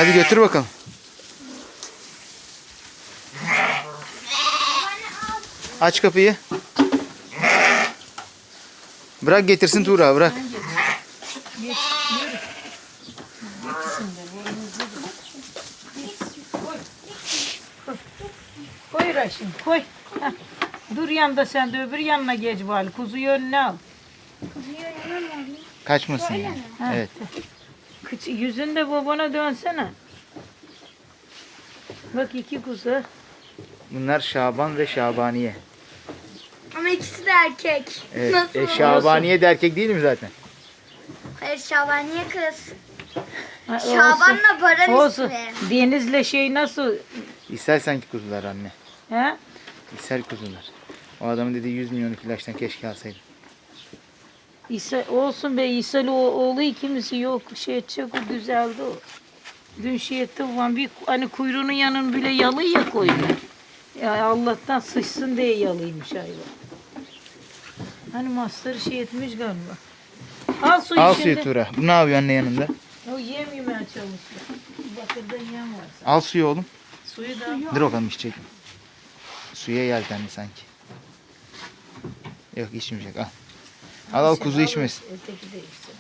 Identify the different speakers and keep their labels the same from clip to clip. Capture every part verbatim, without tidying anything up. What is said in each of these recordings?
Speaker 1: Hadi götür bakalım. Aç kapıyı. Bırak getirsin Tuğra, bırak.
Speaker 2: Geç, yürü. Geçsin de, boynuzlu da. Geç, koy. Koy. Koy Raşim, koy. Heh. Dur yanda sen de öbür yanına geç bari. Kuzuyu önüne al.
Speaker 1: Kaçmasın yani.
Speaker 2: Ha.
Speaker 1: Evet.
Speaker 2: Kıç, yüzün de babana dönsene. Bak iki kuzu.
Speaker 1: Bunlar Şaban ve Şabaniye.
Speaker 3: Ama ikisi de erkek.
Speaker 1: Evet.
Speaker 3: Nasıl?
Speaker 1: E, Şabaniye de erkek değil mi zaten?
Speaker 3: Hayır, Şabaniye kız.
Speaker 2: Ha,
Speaker 3: Şaban'la Baran
Speaker 2: olsun.
Speaker 3: ismi.
Speaker 2: Deniz'le şey nasıl?
Speaker 1: İshal sanki kuzular anne.
Speaker 2: He?
Speaker 1: İshal kuzular. O adamın dediği yüz milyonluk ilaçtan keşke alsaydım.
Speaker 2: İsa, olsun be İsa'lı oğlu ikimisi yok. Şey edecek o güzeldi o. Dün şey etti ulan bir hani kuyruğunun yanını bile yalı ya koydu. Ya Allah'tan sıçsın diye yalıymış hayvan. Hani master şey etmiş galiba. Al suyu
Speaker 1: Al
Speaker 2: şimdi.
Speaker 1: suyu Tuğra. Bu ne yapıyor anne yanında?
Speaker 2: O yem yemeye çalışıyor. Bakırda yem var.
Speaker 1: Al suyu oğlum.
Speaker 2: Suyu da al.
Speaker 1: Dur bakalım içecek mi? Suya yeltendi sanki. Yok içmeyecek, al. Al al, kuzu
Speaker 2: Al,
Speaker 1: içmesin.
Speaker 2: Öteki de içsin.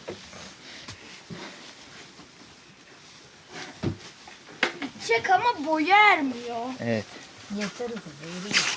Speaker 3: Çek ama boyu ermiyor.
Speaker 1: Evet.
Speaker 2: Yeter o kadar. Yürü git.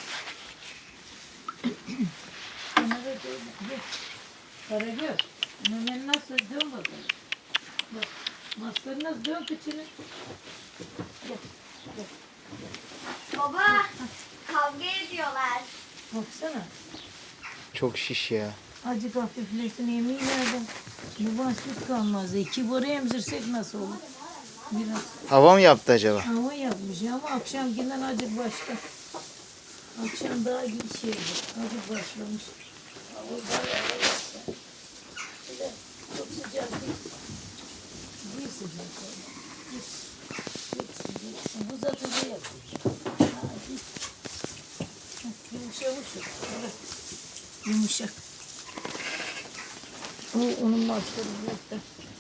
Speaker 2: Sana da dön. Gel. Karagöz. Memen nasıl? Dön bakalım. Bak. Masları nasıl? Dön kıçını. Gel. Gel.
Speaker 3: Baba, kavga ediyorlar.
Speaker 2: Baksana.
Speaker 1: Çok şiş ya.
Speaker 2: Acık hafiflesin yemeği nereden? Bu bahset kalmaz. İki boru emzirsek nasıl olur? Biraz
Speaker 1: Hava mı yaptı acaba?
Speaker 2: hava yapmış ama akşamkinden acık başka. Akşam daha iyi şeydi. Acık başlamış. Hava bayağı yaptı. Bir de çok sıcak değil. Bir sıcak oldu. Git. Gitsin gitsin. Bu zaten ne yapıyor? Ha, git. Heh, Yumuşamış o. Evet. Yumuşak. O onun maskarı yok da.